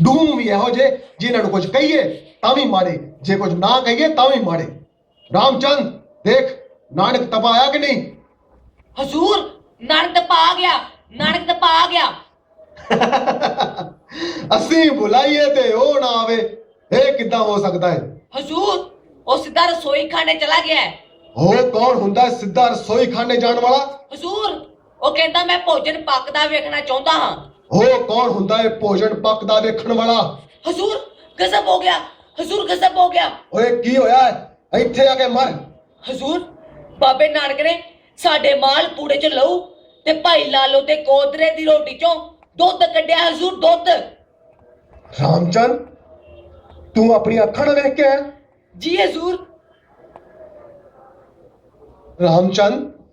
Loom भी यहो जे जिन्होंने कुछ कहिए तां भी माड़े, जे कुछ ना कहिए तां भी माड़े। रामचंद देख नानक तपा आया कि नहीं? हजूर नानक तपा आ गया, नानक तपा आ गया। असी बुलाइए ते ओ ना आवे, ए किद्दां हो सकता है? हजूर वो सीधा रसोई खाने चला गया है। हो कौन हुंदा है सीधा रसोई खाने जाने वाला? हजूर वो कहता मैं भोजन पकदा वेखना चाहता हां। हो कौन हुंदा है भोजन पकदा वेखण वाला? हजूर गजब हो गया, हजूर गजब हो गया। ओए की होया है? इत्थे आके मर। हजूर बाबे नानक ने साडे माल पूड़े च लहू ते भाई लालो ते कोदरे दी रोटी चों दुध कड्ढिया। हजूर दुध। रामचंद तू अपनी अखां नाल वेख के आया? जी हजूर। रामचंद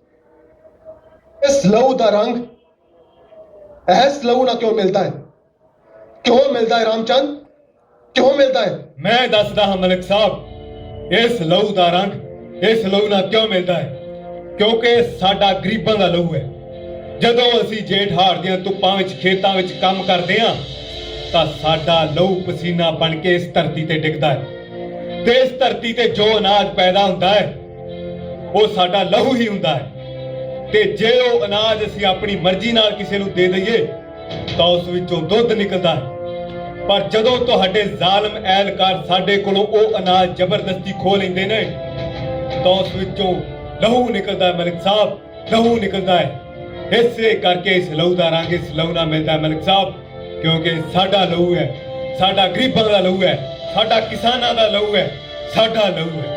इस लहू का रंग ऐस लहू ना क्यों मिलता है? क्यों मिलता है रामचंद, क्यों मिलता है? मैं दसदा हां मलिक साहब, इस लहू का रंग इस लहू ना क्यों मिलता है? क्योंकि साडा गरीबां दा लहू है। जदों असीं जेठ हाड़ दियां धुप्पां विच खेतां विच काम करदे हां तां साडा लहू पसीना बन के इस धरती ते डिगदा है ते इस धरती ते जो अनाज पैदा हुंदा है वो साडा लहू ही हुंदा है। ते जे ਉਹ ਅਨਾਜ ਅਸੀਂ ਆਪਣੀ ਮਰਜ਼ੀ ਨਾਲ ਕਿਸੇ ਨੂੰ ਦੇ ਦਈਏ ਤਾਂ ਉਸ ਵਿੱਚੋਂ ਦੁੱਧ ਨਿਕਲਦਾ ਹੈ। ਪਰ ਜਦੋਂ ਤੁਹਾਡੇ ਜ਼ਾਲਮ ਐਲਕਾਰ ਸਾਡੇ ਕੋਲੋਂ ਉਹ ਅਨਾਜ ਜ਼ਬਰਦਸਤੀ ਖੋਹ ਲੈਂਦੇ ਨੇ ਤਾਂ ਉਸ ਵਿੱਚੋਂ ਲਹੂ ਨਿਕਲਦਾ ਹੈ ਮਲਿਕ ਸਾਹਿਬ, ਲਹੂ ਨਿਕਲਦਾ ਹੈ। ਇਸੇ ਕਰਕੇ ਇਸ ਲਹੂ ਦਾ ਰੰਗ ਇਸ ਲਹੂ ਨਾਲ ਮਿਲਦਾ ਹੈ ਮਲਿਕ ਸਾਹਿਬ, ਕਿਉਂਕਿ ਸਾਡਾ ਲਹੂ ਹੈ, ਸਾਡਾ ਗਰੀਬਾਂ ਦਾ ਲਹੂ ਹੈ, ਸਾਡਾ ਕਿਸਾਨਾਂ ਦਾ ਲਹੂ ਹੈ, ਸਾਡਾ ਲਹੂ ਹੈ।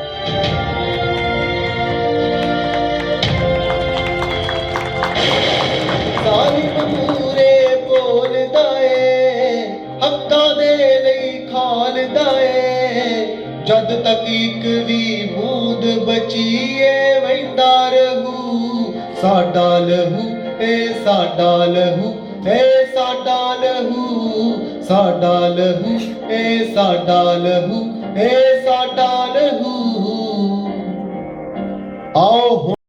ਪੂਰੇ ਬੋਲਦਾ ਏ ਹੱਕਾਂ ਦੇ ਲਈ ਖਾਲਦਾ ਏ, ਜਦ ਤੱਕ ਇੱਕ ਵੀ ਬੂੰਦ ਬਚੀਏ ਵਹਿੰਦਾ ਰਹੂ ਸਾਡਾ ਲਹੂ ਏ ਸਾਡਾ ਲਹੂ ਏ ਸਾਡਾ ਲਹੂ ਸਾਡਾ ਲਹੂ ਏ ਸਾਡਾ ਲਹੂ ਏ ਸਾਡਾ ਲਹੂ। ਆਓ